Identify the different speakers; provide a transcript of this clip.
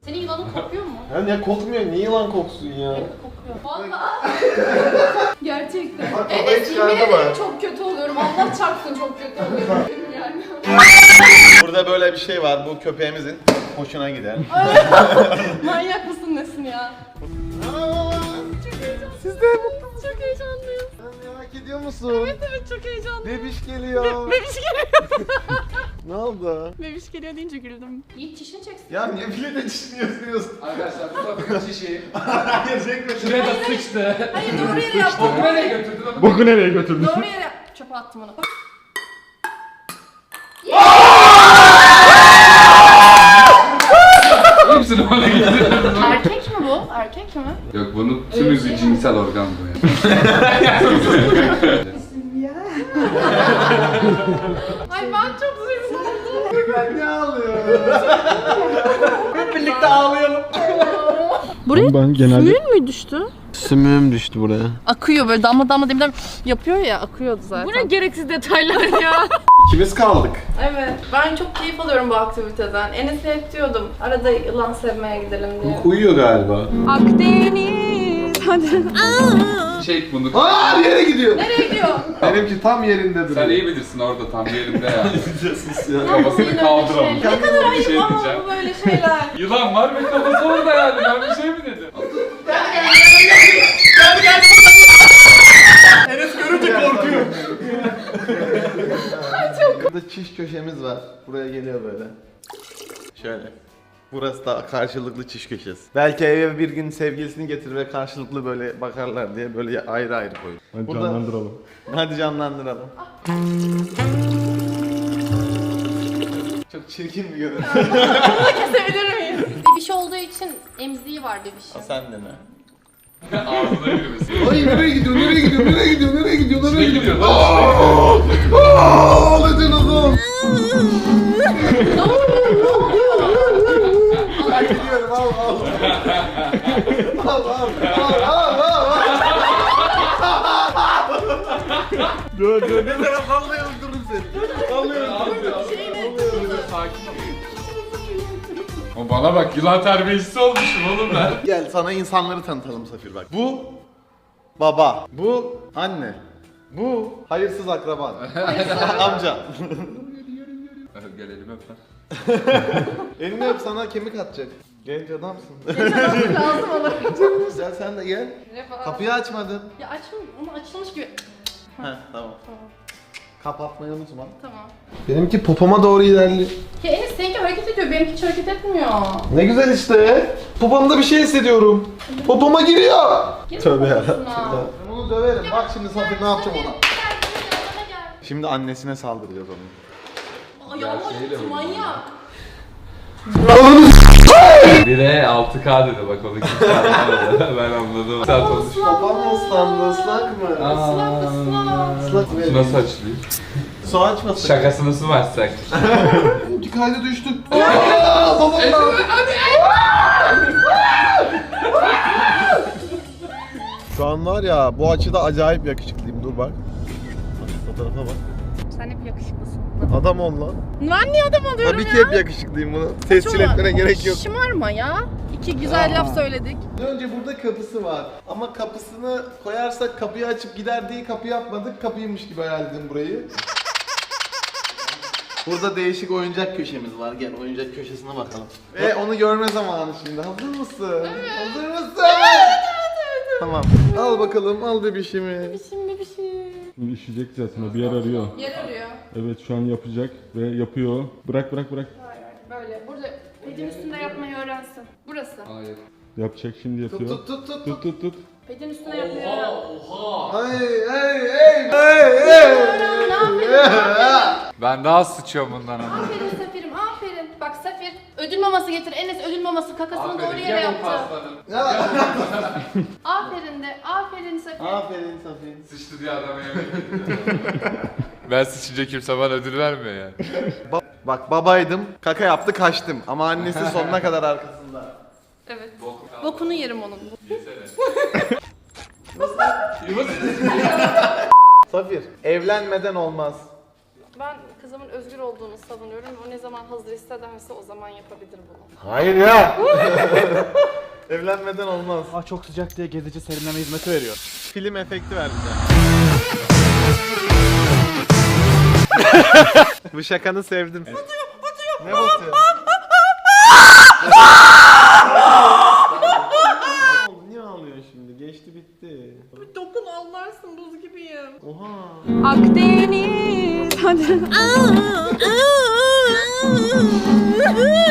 Speaker 1: Senin yılanın kokuyor mu?
Speaker 2: Ya niye kokmuyor? Niye yılan koksun ya?
Speaker 1: Evet kokuyor. Valla. Gerçekten.
Speaker 2: Bak, kafayı
Speaker 1: Evet yemin
Speaker 2: çıkardı
Speaker 1: ederim
Speaker 2: mı?
Speaker 1: çok kötü oluyorum. Allah çarpsın çok kötü oluyorum. Yani.
Speaker 2: Burada böyle bir şey var. Bu köpeğimizin hoşuna gider.
Speaker 1: Manyak mısın nesin ya?
Speaker 2: Siz de mutlusunuz.
Speaker 1: Çok heyecanlıyım.
Speaker 2: Merak ediyor musun?
Speaker 1: Evet çok heyecanlıyım.
Speaker 2: Bebiş geliyor.
Speaker 1: Bebiş geliyor.
Speaker 2: Ne oldu?
Speaker 1: Bebiş geliyor deyince güldüm. Yiğit çişini çeksin.
Speaker 2: Ya niye bile de çişmiyorsunuz?
Speaker 3: Arkadaşlar bu bakın şişeyi.
Speaker 2: Gerçekten.
Speaker 3: Şuraya da sıçtı.
Speaker 1: Hayır doğru yere yaptım.
Speaker 3: Boku nereye götürdün ama?
Speaker 4: Boku nereye götürdün?
Speaker 1: Doğru yere çöpe attım onu.
Speaker 3: Hepsini bana getirdin.
Speaker 1: Erkek mi bu? Erkek mi?
Speaker 3: Yok bunun tümüzü cinsel organ bu ya.
Speaker 1: Ay ben çok üzüldüm.
Speaker 2: Ben ne ağlıyorum? Hep birlikte ağlayalım.
Speaker 1: Buraya
Speaker 4: Ben genelde...
Speaker 1: suyun mu düştü?
Speaker 2: Sümüğüm düştü buraya.
Speaker 1: Akıyor böyle damla damla demeden yapıyor ya akıyordu zaten. Bu ne gereksiz detaylar ya.
Speaker 2: İkimiz kaldık.
Speaker 1: Evet. Ben çok keyif alıyorum bu aktiviteden. Enes'e hep diyordum arada yılan sevmeye gidelim diye.
Speaker 2: Uyuyor galiba.
Speaker 1: Akdeniz. Hadi.
Speaker 3: Çek bunu.
Speaker 2: Aa yere gidiyor.
Speaker 1: Nereye gidiyor?
Speaker 2: Benimki tam yerinde duruyor.
Speaker 3: Sen iyi bilirsin orada tam yerinde ya.
Speaker 2: Sus ya.
Speaker 3: Kafasını kaldıramam.
Speaker 1: Ne kadar ayıp
Speaker 3: şey
Speaker 1: ama
Speaker 3: diyeceğim.
Speaker 1: bu böyle şeyler.
Speaker 3: Yılan var ve kafası orada yani. Ben bir şey mi dedim?
Speaker 2: Enes görünce korkuyor. Burada çiş köşemiz var. Buraya geliyor böyle. Şöyle. Burası da karşılıklı çiş köşesi. Belki eve bir gün sevgilisini getirir ve karşılıklı böyle bakarlar diye böyle ayrı ayrı koy.
Speaker 4: Hadi
Speaker 2: Burada-
Speaker 4: canlandıralım.
Speaker 2: Hadi canlandıralım. Çok çirkin bir görüntü.
Speaker 1: Kesebilir miyiz? Bebiş olduğu için emziği var bebişin.
Speaker 2: Sen de mi?
Speaker 3: Ağzına yürümesi.
Speaker 2: Ay nereye gidiyor? Nereye gidiyor? Nereye gidiyor? Nereye gidiyor?
Speaker 3: Ne
Speaker 2: Nereye gidiyor?
Speaker 3: gidiyor lan?
Speaker 2: Ağladınız oğlum. Ben gidiyorum al al. Al al al. Dur dur ne taraf anlayalım durun seni. Alıyorum.
Speaker 3: Sakin ol. O bana bak yılan terbiyecisi olmuşum oğlum ben.
Speaker 2: Gel sana insanları tanıtalım Safir bak. Bu baba. Bu anne. Bu hayırsız akraban. Amca.
Speaker 3: Gel elimi öp lan.
Speaker 2: Elini öp sana kemik atacak. Genç adamsın.
Speaker 1: Lazım olur.
Speaker 2: Gel sen de gel. Kapıyı açmadın.
Speaker 1: Ya açmış, onu açılmış gibi.
Speaker 2: Heh tamam. Kapatmayı unutma.
Speaker 1: Tamam.
Speaker 2: Benimki popoma doğru ilerliyor.
Speaker 1: Ya Enes seninki hareket ediyor, benimki hiç hareket etmiyor.
Speaker 2: Ne güzel işte. Popomda bir şey hissediyorum. Popoma giriyor.
Speaker 1: Gir
Speaker 2: Tövbe
Speaker 1: poposuna.
Speaker 2: yarabbim. Ben onu döverim. Bak şimdi Safir ne yapacağım ona.
Speaker 1: Gel.
Speaker 2: Şimdi annesine saldıracağız onu.
Speaker 1: Ayağıma acıttı manyak.
Speaker 3: 1'e 6K dedi bak onu kimse anlamadı. Ben anladım. Sen konuş.
Speaker 2: Popom mu ıslandı? Islak mı?
Speaker 1: Islak ıslak.
Speaker 2: Islak
Speaker 3: Su nasıl açılıyor?
Speaker 2: Su açmasın.
Speaker 3: Şakasını su mu açsak?
Speaker 2: Kaydı düştü. Aaa! Babam Şu an var ya bu açıda acayip yakışıklıyım. Dur bak. Bak fotoğrafa bak.
Speaker 1: Sen hep yakışıklısın.
Speaker 2: Adam ol lan.
Speaker 1: Ben niye adam oluyorum
Speaker 2: Tabii
Speaker 1: ya?
Speaker 2: ki hep yakışıklıyım bunu. Tescil etmene gerek yok.
Speaker 1: Şımarma ya. İki güzel laf söyledik.
Speaker 2: Önce burada kapısı var. Ama kapısını koyarsak kapıyı açıp gider diye kapı yapmadık. Kapıymış gibi hayal edin burayı. Burada değişik oyuncak köşemiz var. Gel oyuncak köşesine bakalım. Ve onu görme zamanı şimdi. Hazır mısın? Hazır mısın? Evet. Tamam. Al bakalım, al bebişimi.
Speaker 1: Şimdi bir şey.
Speaker 4: Şimdi işeyecek zaten o bir yer arıyor.
Speaker 1: Yer arıyor.
Speaker 4: Evet şu an yapacak ve yapıyor. Bırak bırak bırak.
Speaker 1: Böyle burada pedin üstünde yapmayı öğrensin. Burası.
Speaker 3: Hayır.
Speaker 4: Yapacak şimdi
Speaker 2: Tut
Speaker 4: yapıyor.
Speaker 2: tut tut tut.
Speaker 4: Tut tut tut.
Speaker 1: Pedin üstünde yapmayı öğren.
Speaker 2: Hey hey hey hey hey.
Speaker 3: Ben daha sıçıyorum bundan ama.
Speaker 1: Aferin Safir'im aferin. Bak Safir ödül maması getir. Enes ödül maması kakasını doğru yere yaptı. Aferin de. Aferin Safir.
Speaker 2: Aferin Safi.
Speaker 3: Sıçtı diye adama yemek Ben sıçınca kimse bana ödül vermiyor yani.
Speaker 2: Bak babaydım, kaka yaptı kaçtım ama annesi sonuna kadar arkasında.
Speaker 1: Evet. Bokunu yerim onun.
Speaker 2: Safir, evlenmeden olmaz.
Speaker 1: Ben kızımın özgür olduğunu savunuyorum. O ne zaman hazır hissederse o zaman yapabilir bunu.
Speaker 2: Hayır ya. Evlenmeden olmaz.
Speaker 5: Aa, çok sıcak diye gezici serinleme hizmeti veriyor.
Speaker 2: Film efekti ver bize. Bu şakanı sevdim. Ne batıyor? Niye ağlıyorsun şimdi? Geçti bitti.
Speaker 1: Dokun anlarsın, buz gibiyim.
Speaker 2: Oha.
Speaker 1: Akdeniz. Hadi.